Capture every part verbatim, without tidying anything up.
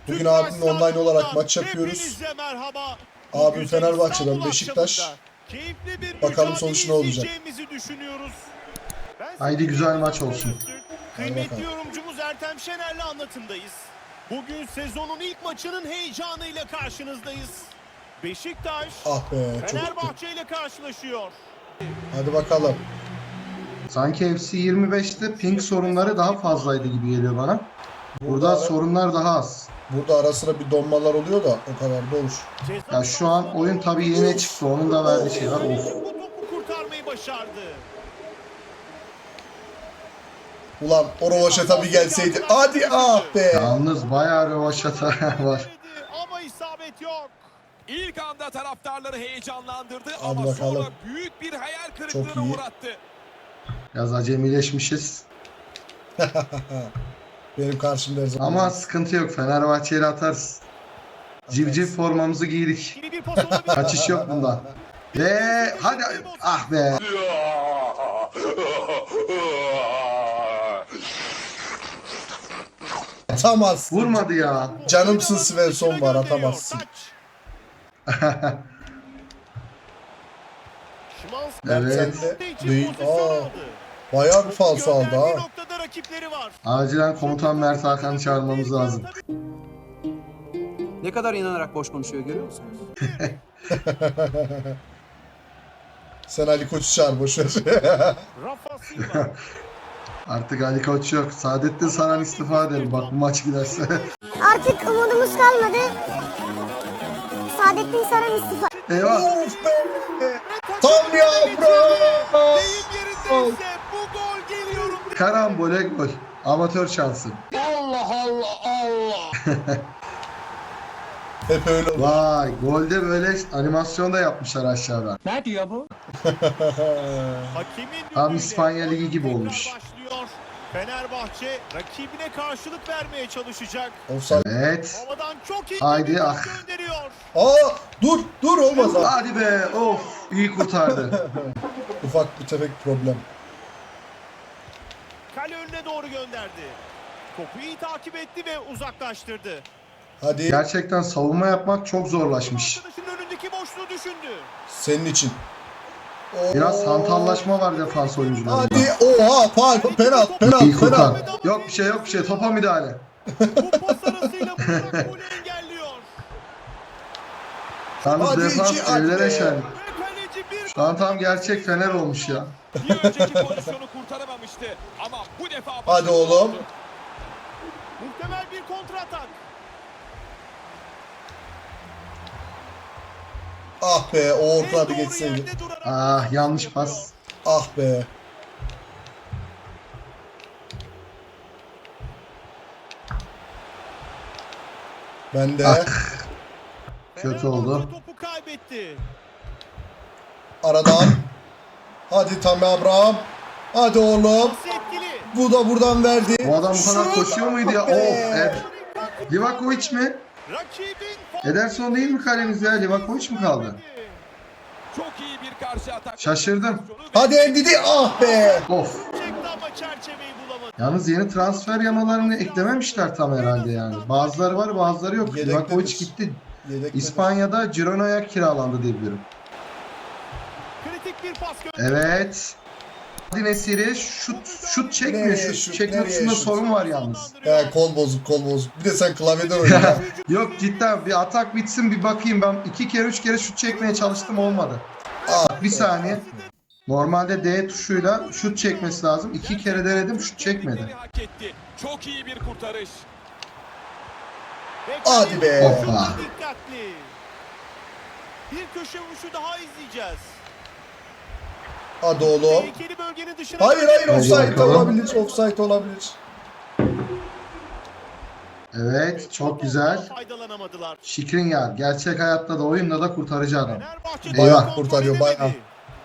Bugün abimle online olarak maç yapıyoruz. Abim Fenerbahçe'den Beşiktaş. Bakalım sonuç ne olacak. Haydi güzel maç olsun. Kıymetli yorumcumuz Ertem Şener'le anlatımdayız. Bugün sezonun ilk maçının heyecanıyla karşınızdayız. Beşiktaş Ah be, Fenerbahçe ile karşılaşıyor. Hadi bakalım. Sanki F C yirmi beşte ping sorunları daha fazlaydı gibi geliyor bana. Burada, Burada ara- sorunlar daha az. Burada ara sıra bir donmalar oluyor da o kadar da olur. Ya şu an oyun tabii yeni çıktı. Onun da verdiği şey var. Of. Bu topu kurtarmayı başardı. Ulan o rovaşata bir gelseydi. Hadi ah be. Yalnız bayağı rövaşata var. Ama isabet yok. İlk anda taraftarları heyecanlandırdı Hadi ama bakalım. sonra büyük bir hayal kırıklığına Çok iyi. uğrattı. Biraz acemileşmişiz. Benim karşımda her zaman. Ama sıkıntı yok. Fenerbahçe'yle atarız. Civciv formamızı giydik. Yeni bir pas olabilir. Kaçış yok bundan. Ve hadi ah be. Atamazsın. Vurmadı ya. Canımsın Svensson var, atamazsın. Evet. Büyük. Aa, bayağı bir falso aldı ha. Noktada rakipleri var. Acilen komutan Mert Hakan'ı çağırmamız lazım. Ne kadar inanarak boş konuşuyor görüyor musunuz? Sen Ali Koç'u çağır boşver. Rafa Silva. Artık Ali Koç yok. Saadettin Saran istifa edelim. Bak bu maç giderse. Artık umudumuz kalmadı. Saadettin Saran istifa. Eyvah. Of be. Tam yavrum. Deyim yerindeyse bu gol geliyorum. Karambole gol. Amatör şansı. Hep öyle olur. Vay golde böyle animasyon da yapmışlar aşağıda. Hakemin Tam düdüğüyle İspanya Ligi gibi tekrar olmuş. başlıyor. Fenerbahçe rakibine karşılık vermeye çalışacak. Offside. Evet. Havadan çok iyi Haydi, bir ah. pas gönderiyor. Aa, dur dur olmaz ha. Hadi be. Of. İyi kurtardı. Ufak bir tefek problem. Kale önüne doğru gönderdi. Topu iyi takip etti ve uzaklaştırdı. Hadi Gerçekten savunma yapmak çok zorlaşmış. Arkadaşının önündeki boşluğu düşündü. senin için. Biraz Oo. hantallaşma var defans oyuncularında. Hadi oha faal penaltı İyi penaltı kurtar. penaltı. Yok bir şey yok bir şey. Topa müdahale. Bu pas arasıyla Burak golü engelliyor. Yalnız Hadi defans iki, hadi ellere be. şen. Ve kaleci bir Şu an tam gerçek Fener olmuş ya. Bir önceki pozisyonu kurtaramamıştı ama bu defa Hadi başarılı oğlum. oldu. muhtemel bir kontra atak. Ah be o En orta bir doğru geçseydi. yerde durarak Ah yanlış pas. Ah be. Ben de Ah. Kötü oldu. Fenerbahçe topu kaybetti. aradan. Hadi Tammy Abraham. Hadi oğlum. Pası etkili. Bu da buradan verdi. Bu adam bu kadar Şut! koşuyor muydu ya? Ah be. Of. Evet. Livakovic mi? Rakibin Ederson değil mi kalemiz ya? Livakovic mi kaldı? Çok iyi bir karşı atak. Şaşırdım. Hadi Endidi. Ah be. Of. çekti ama çerçeveyi bulamadı. Yalnız yeni transfer yamalarını eklememişler tam herhalde yani. Bazıları var bazıları yok. Yedektedir. Livakovic gitti. Yedekte. İspanya'da Girona'ya kiralandı diye biliyorum. Kritik bir pas gönderdi. Evet. Hadi Nesiri şut şut çekmiyor. Nereye Şut şut, çekme nereye tuşunda şut? sorun var yalnız. He, kol bozuk kol bozuk. Bir de sen klavyeden oynuyorsun. Yok cidden bir atak bitsin bir bakayım. Ben iki kere üç kere şut çekmeye çalıştım olmadı. Ah, Bir saniye. Normalde D tuşuyla şut çekmesi lazım. İki kere denedim şut çekmedi. Hak etti. Çok iyi bir kurtarış. Ve Hadi be. kaleci Hoppa. dikkatli. Bir köşe vuruşu daha izleyeceğiz. Hadi oğlum. Tehlikeli bölgenin dışına. Hayır hayır Hadi offside bakalım. olabilir. Offside olabilir. Evet çok güzel. Faydalanamadılar. Şikrinyar gerçek hayatta da oyunda da kurtarıcı adam. Fenerbahçe Bayağı topu kurtarıyor, kontrol bayağı.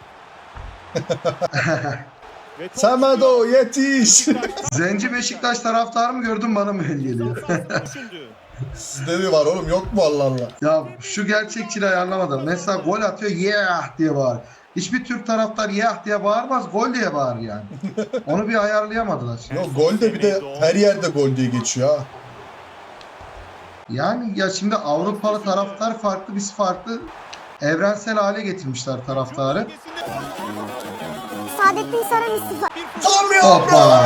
edemedi. Ve top Semedo yetiş. Zenci Beşiktaş taraftarı mı gördün bana mı öyle geliyor? sahasında düşündü. Sizde mi var oğlum yok mu Allah Allah. Ya şu gerçekçiliği ayarlamadım. Mesela gol atıyor yeah diye bağır. Hiçbir Türk taraftar yeah diye bağırmaz gol diye bağır yani. Onu bir ayarlayamadılar. Yok gol de bir de her yerde gol diye geçiyor ha. Yani ya şimdi Avrupalı taraftar farklı, biz farklı. Evrensel hale getirmişler taraftarı. Saadettin Saran istifa. Tam Hoppa.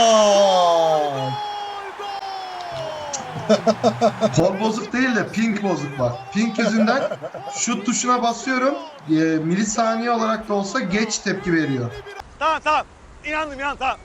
Kol bozuk değil de pink bozuk var. Pink yüzünden şut tuşuna basıyorum. E, milisaniye olarak da olsa geç tepki veriyor. Tamam tamam. İnandım inan tamam.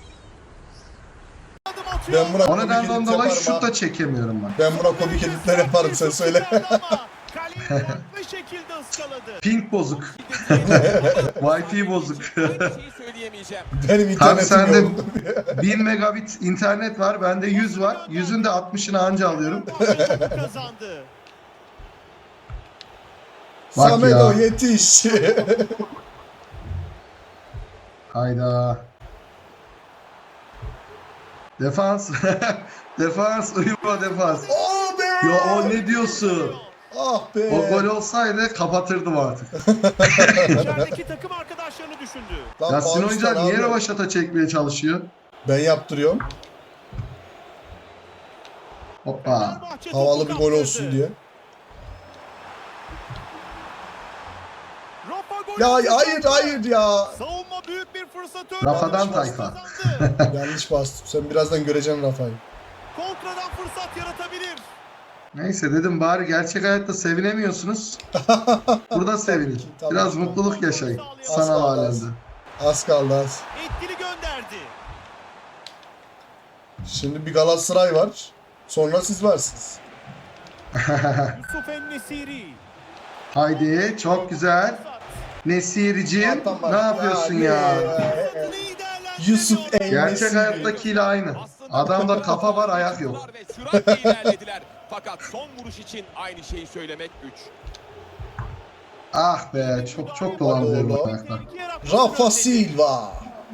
Ben buna O komik nedenle edit dolayı yaparım şut ha. da çekemiyorum ben. Ben buna komik editler yaparım, sen söyle. Kaleyi farklı şekilde ıskaladı. Pink bozuk. Wi-Fi bozuk. Aynı şeyi söyleyemeyeceğim. Benim Tabii internetim sende yok. bin megabit internet var. Bende yüz var. yüzün de altmışını anca alıyorum. Kazandı. Bak Samedo ya. yetiş. Hayda. Defans. Defans. Uyuma defans. Oh be! Ya o ne diyorsun? Ah be! O gol olsaydı kapatırdım artık. İçerideki takım arkadaşlarını düşündü. Lan Ya sizin Paris'ten oyuncular niye abi. rövaşata çekmeye çalışıyor? Ben yaptırıyorum. Hoppa. Fenerbahçe Havalı topu bir gol kaptırdı. olsun diye. Rafa gol Ya atacak. hayır hayır ya. Savunma büyük bir fırsat Rafa'dan Fenerbahçe tayfa. kazandı. Yanlış bastım. Sen birazdan göreceksin Rafa'yı. Kontradan fırsat yaratabilir. Neyse dedim bari gerçek hayatta sevinemiyorsunuz. Burada sevinin. Tamam. Biraz mutluluk yaşayın. Sanal Asla, alemde. asla. Az kaldı az. Etkili gönderdi. Şimdi bir Galatasaray var. Sonra siz varsınız. Yusuf En-Nesiri. Haydi çok güzel. Nesir'ciğim Atamaz. ne yapıyorsun ya? İyi değerlendiriyor. Yusuf En- Gerçek Nesiri. hayattakiyle aynı. Adamda kafa var ayak yok. Ve süratle ilerlediler. Fakat son vuruş için aynı şeyi söylemek güç. Ah be çok çok dolandırıyorum Oğlum. ayakta. Rafa Silva.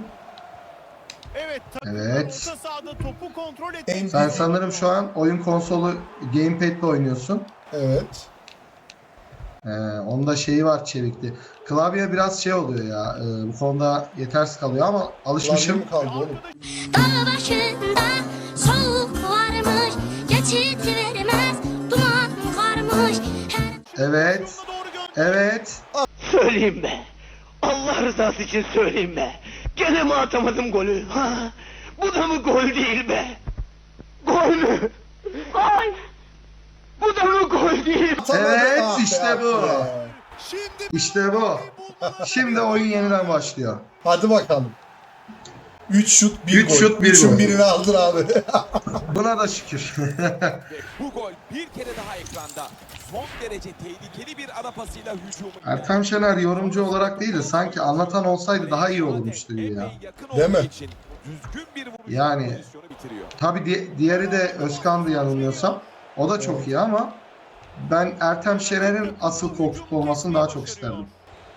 Evet. takım Evet. orta sahada topu kontrol etti. En- Sen sanırım şu an oyun konsolu gamepad'le oynuyorsun. Evet. Ee, onda şeyi var çevikli. Klavye biraz şey oluyor ya. e, bu konuda yetersiz kalıyor ama Klavye alışmışım. mi kaldı oğlum? Dağ başında soğuk varmış. Geçit vermez duman varmış. Evet. Doğru gönder. Evet. Söyleyeyim be. Allah rızası için söyleyeyim be. Gene mi atamadım golü? Ha? Bu da mı gol değil be? Gol mü? Gol! Bu da mı gol değil? Evet, Ah be, işte ah bu. be. Şimdi İşte bu. Şimdi oyun yeniden başlıyor. Hadi bakalım. üç şut bir Üç gol. şut, bir üçün gol. birini aldın abi. Buna da şükür. Ve bu gol bir kere daha ekranda. Son derece tehlikeli bir ara pasıyla hücumu. Ertem Şener yorumcu olarak değil de sanki anlatan olsaydı daha iyi olurmuş diyor ya. Epey yakın Değil mi? olduğu için düzgün bir vuruş Yani- pozisyonu bitiriyor. Tabii di- diğeri de Özkan'dı yanılmıyorsam. O da çok iyi ama ben Ertem Şener'in asıl koltuk olmasını daha çok isterdim.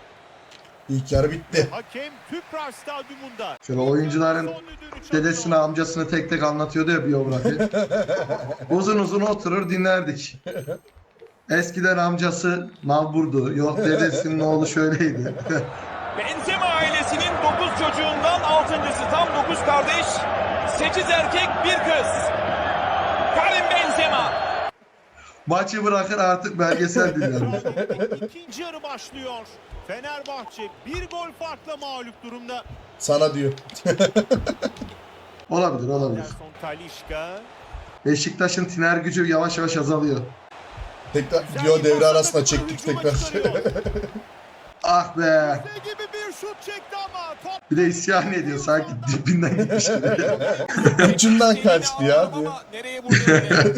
İlk yarı bitti. hakem Tüpraş Stadyumunda. Şöyle oyuncuların Son düdüğünü çalıyor. dedesini, amcasını tek tek anlatıyordu ya biyografi. Uzun uzun oturur dinlerdik. Eskiden amcası nalburdu. Yok dedesinin oğlu şöyleydi. Benzema ailesinin dokuz çocuğundan altıncısı, tam dokuz kardeş, sekiz erkek bir kız. Karim Benzema. Maçı bırakır artık belgesel dinlerim. İkinci yarı başlıyor. Fenerbahçe bir gol farkla mağlup durumda. Sana diyor. Olabilir olabilir. Anderson Talisca. Beşiktaş'ın tiner gücü yavaş yavaş azalıyor. Tekrar Güzel diyor bir devre pasla arasında takımı çektik hücuma tekrar. çıkarıyor. Ah be. Ne gibi bir şut çekti ama top Bir de isyan ediyor sanki dibinden gitmiş gibi. Ucundan kaçtı ya Ama diyor. nereye vurdu öyle?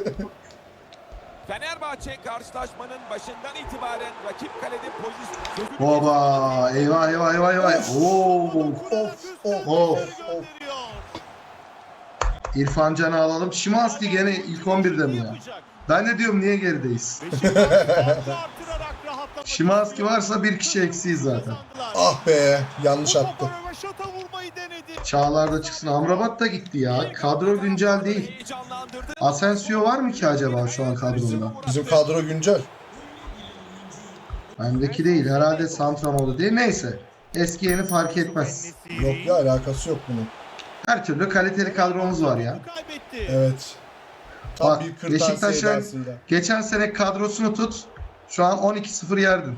Fenerbahçe karşılaşmanın başından itibaren rakip kalede pozisyon... Baba eyvah eyvah eyvah eyvah. Oo. of of, of. gönderiyor. İrfan Can'ı alalım. Şimanski gene ilk on birde mi ya? Yapacak. Ben de diyorum niye gerideyiz? Beşiktaş farkı artırarak rahatlamak Şimanski istiyor. varsa bir kişi eksiyiz zaten. Kazandılar. Ah be, yanlış Bu attı. topa röveşata vurmayı denedi. Çağlar da çıksın. Amrabat da gitti ya. Kadro güncel değil. Heyecanlandırdı. Asensio var mı ki acaba şu an kadroda? Bizim kadro güncel. Bendeki değil. Herhalde Santramoğlu değil. Neyse. Eski yeni fark etmez. Yok ya, alakası yok bunun. Her türlü kaliteli kadromuz var ya. Kaybetti. Evet. Tam Bak bir kırtasiye Beşiktaş'ın edasıyla. geçen sene kadrosunu tut. Şu an on iki sıfır yerdin.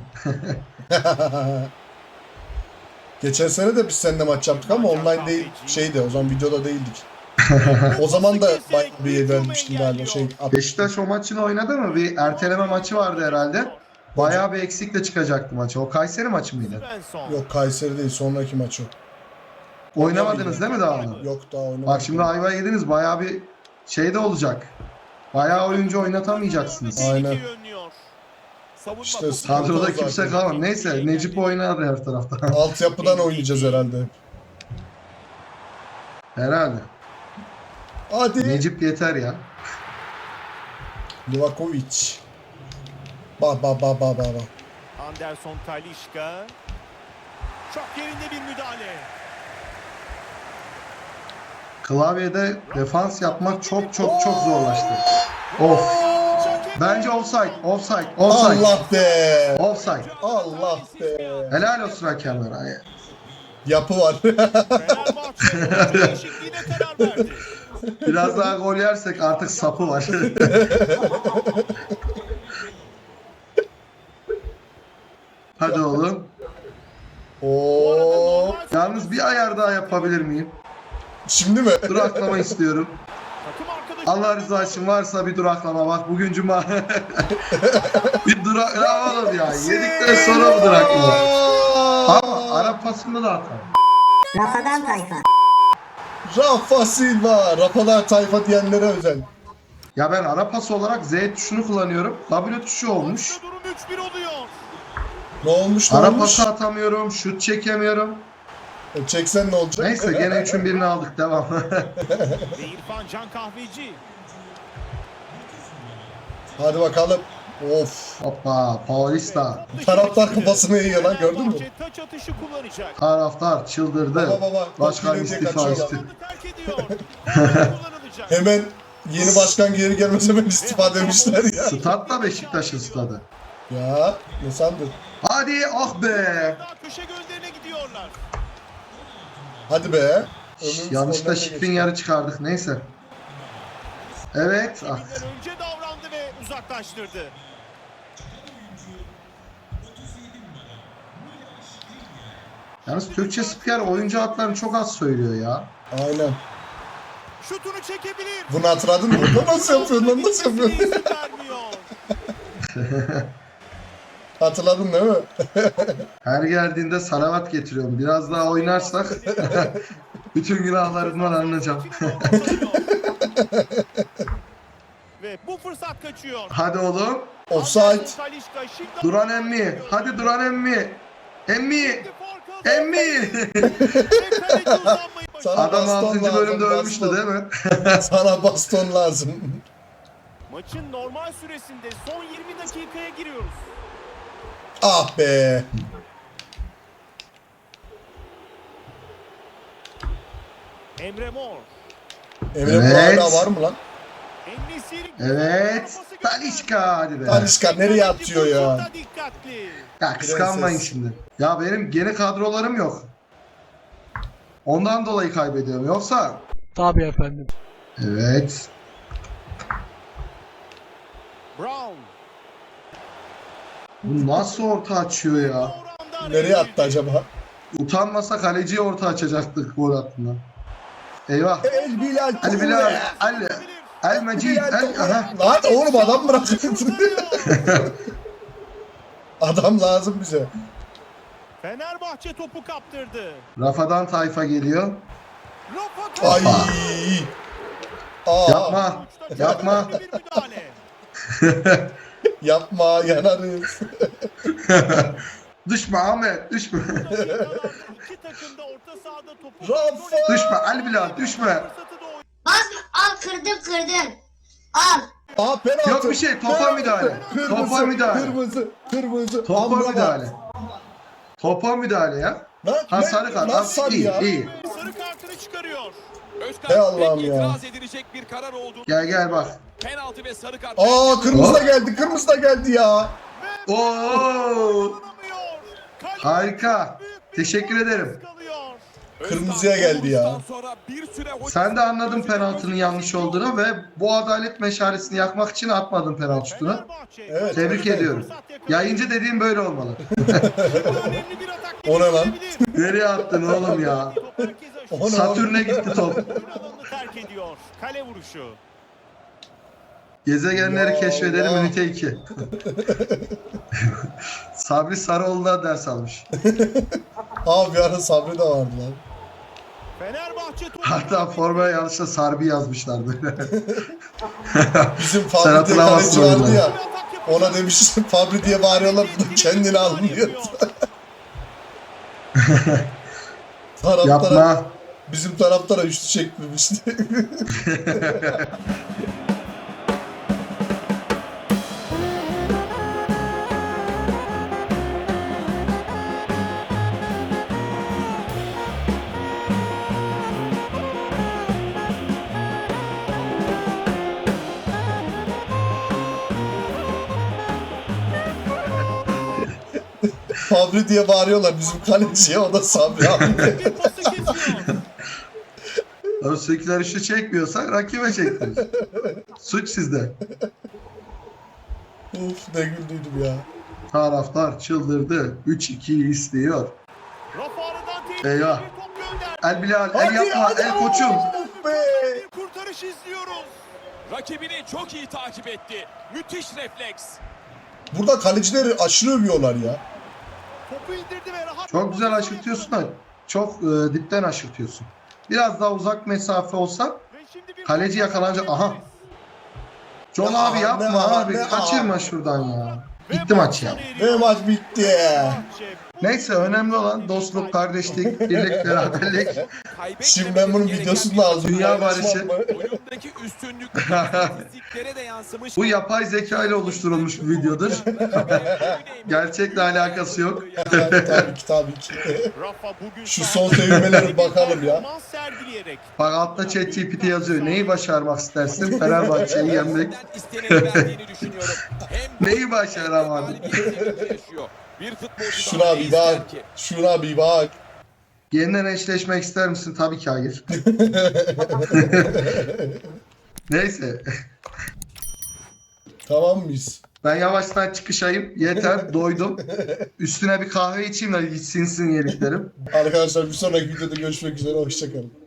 Geçen sene de biz seninle maç yaptık ama online değil, şeydi, o zaman videoda değildik. O zaman da bayağı bir vermiştim galiba şey. Beşiktaş o maçını oynadı mı? Bir erteleme maçı vardı herhalde. Bayağı bir eksikle çıkacaktı maçı. O Kayseri maçı mıydı? Svensson. Yok Kayseri değil, sonraki maç o. Oynamadınız değil mi daha onu? Yok daha oynamadık. Bak şimdi ayva yediniz, bayağı bir şey de olacak. Bayağı oyuncu oynatamayacaksınız. Aynen. Yönlüyor. Savunma İşte topu- Kadroda Zaten. kimse kalmadı. Neyse Necip oynar her tarafta. Altyapıdan oynayacağız herhalde. Herhalde. Hadi. Necip yeter ya. Livakovic. Ba ba ba ba ba ba. Anderson Talisca. Çok yerinde bir müdahale. Klavyede defans yapmak çok çok çok zorlaştı. Of. Bence offside, offside, offside. Allah be. Offside. Allah be. Helal olsun hakemlere. Yapı var. Fenerbahçe oyuncu değişikliğine karar verdi. Biraz daha gol yersek artık sapı var. Hadi oğlum. Oo. Yalnız bir ayar daha yapabilir miyim? Şimdi mi? Duraklama istiyorum. Takım arkadaşı Allah rızası için varsa bir duraklama, bak bugün cuma. Bir duraklama oğlum ya. Yedikten sonra bu duraklama. Ama Arap pasında da atar. Rafadan tayfa. Rafa Silva. Rafadan tayfa diyenlere özel. Ya ben ara pas olarak Z tuşunu kullanıyorum. W tuşu olmuş. Maçta durum üç bir oluyor. Ne olmuş ne Ara olmuş? pası atamıyorum, şut çekemiyorum. E, çeksen ne olacak? Neyse gene üçün birini aldık, devam. Ve İrfan Can Kahveci. Hadi bakalım. Of. Hoppa, Paulista. Taraftar kafasını yiyor lan, gördün mü? Fenerbahçe taç atışı kullanacak. Taraftar çıldırdı. Baba baba. Başkan Top gelecek, istifa kaçıyor. etti. Alanı terk ediyor. Korner kullanılacak. Hemen yeni başkan geri gelmese hemen istifa demişler ya. Stat da Beşiktaş'ın stadı. Ya ne sandın? Hadi ah be. Daha köşe gönderine gidiyorlar. Hadi be. Şş, Ömrümüz yanlışlıkla ondan şifrin geçti. yarı çıkardık, neyse. Evet. Ah. Kendinden önce davrandı ve uzaklaştırdı. Yalnız Türkçe spiker oyuncu adlarını çok az söylüyor ya. Aynen. Şutunu çekebilir. Bunu hatırladın mı? Bunu nasıl yapıyorsun lan? Nasıl yapıyorsun? İzin vermiyor. Hatırladın değil mi? Her geldiğinde salavat getiriyorum. Biraz daha oynarsak bütün günahlarımdan arınacağım. Ve bu fırsat kaçıyor. Hadi oğlum. Offside. Anderson Talisca şimdi- Duran emmi. Hadi Duran emmi. Emmi. Emmi. Ve kaleci uzanmayı başardı. Sana Adam baston altıncı lazım, bölümde baston. ölmüştü değil mi? Sana baston lazım. Maçın normal süresinde son yirmi dakikaya giriyoruz. Ah be. Emre Mor. Emre Evet. bu hala var mı lan? En-Nesyri- Evet. Talişka hadi be. Talişka nereye atıyor ya? Burada dikkatli. Ya kıskanmayın Prenses. şimdi. Ya benim gene kadrolarım yok. Ondan dolayı kaybediyorum. Yoksa... Tabii efendim. Evet. Brown. Bu nasıl orta açıyor ya? Doğru anda Nereye araya attı acaba? Utanmasa kaleciye orta açacaktık gol hattından. Eyvah. El Bilal. Ali Bilal. Ali. El Mecid. El. Aha. Lan oğlum adam bırak. Adam lazım bize. Fenerbahçe topu kaptırdı. Rafadan tayfa geliyor. Rafa Ay. Kaleci. Aa, Yapma. Uçta Yapma. bir müdahale. yapma yanarız. Düşme Ahmet. Düşme. Dakikalarda iki takım da orta sahada topu Rafa. Düşme Ali Bilal. Düşme. fırsatı doğuyor. Basma, al kırdım kırdım. Al. Aa penaltı. Yok bir şey, topa Penaltı. müdahale. Kırmızı, Topa müdahale. Kırmızı. Kırmızı. Topa Amrabat. müdahale. Topa müdahale ya. Lan, Ha ne- sarı kart. Nasıl Ha, sarı iyi ya? iyi. Sarı kartını çıkarıyor. Özkan Hey Allah'ım pek ya. itiraz edilecek bir karar oldu. Gel gel bak. Penaltı ve sarı kart. Aa kırmızı da Hop. geldi. Kırmızı da geldi ya. Oo. Kullanamıyor. Kaleci Harika. büyük bir Teşekkür gol ederim. kalıyor. Kırmızıya geldi ya. Özkan sonra bir süre Sen de anladın penaltının yanlış olduğunu ve bu adalet meşalesini yakmak için atmadın penaltı şutunu. Fenerbahçe Evet. Tebrik ediyorum. Yayıncı dediğim böyle olmalı. önemli bir atak O ne lan? geliştirebilir. Nereye attın oğlum ya? Top herkese aşıyor. O ne Satürn'e gitti top. Oyun alanını terk ediyor. Kale vuruşu. Gezegenleri Ya keşfedelim Allah. ünite iki. Sabri Sarıoğlu'na ders almış. Abi bir ara Sabri de vardı lan. Fenerbahçe topu Hatta formaya yanlışla Sarbi yazmışlar böyle. Bizim Sen Fabri diye hatırlamazsın kaleci vardı onu. ya. Ona demiş Fabri diye bağırıyorlar. Bu da kendini almıyor. Taraftara, Yapma. bizim taraftara üçlü çekmemişti. Fabri diye bağırıyorlar bizim kaleciye, o da Sabri abi. Bir pası kesiyor. Öztekiler işi çekmiyorsak rakibe çektiririz. Suç sizde. Uf ne güldüydüm ya. Taraftar çıldırdı. üç ikiyi istiyor. Rafa aradan tehlikeli Eyvah. bir top gönderdi. El Bilal, el yapma, el koçum. Of be. Bir kurtarış izliyoruz. Rakibini çok iyi takip etti. Müthiş refleks. Burada kalecileri aşırı övüyorlar ya. Topu indirdi ve rahat. Çok güzel aşırtıyorsun da çok e, dipten aşırtıyorsun. Biraz daha uzak mesafe olsa Ve şimdi bir kaleci yakalanacak. Aha. John Ne abi a- yapma ne a- abi. ne a- Kaçırma şuradan ya. Ve Bitti maç ya. sona eriyor. Ve maç bitti. Fenerbahçe. Neyse önemli olan dostluk, kardeşlik, birlik, beraberlik. Şimdi ben bunun videosunu da aldım. Dünya barışı. Oyundaki üstünlük istatistiklere de yansımış. Bu yapay zeka ile oluşturulmuş bir videodur. Gerçekle alakası yok. tabii, tabii ki tabii ki. Rafa bugün Şu sahada son sevinmelere bir bakalım ya. performans sergileyerek Bak altta ChatGPT yazıyor. Neyi başarmak istersin? Fenerbahçe'yi yenmek. İsteneni verdiğini düşünüyorum. Hem Neyi başaramadın? Bir futbolcu Şuna bir bak. Şuna bir bak. Yeniden eşleşmek ister misin? Tabii ki hayır. Neyse. Tamam mıyız? Ben yavaştan çıkışayım. Yeter. Doydum. Üstüne bir kahve içeyim de sinsin yediklerim. Arkadaşlar bir sonraki videoda görüşmek üzere. Hoşçakalın.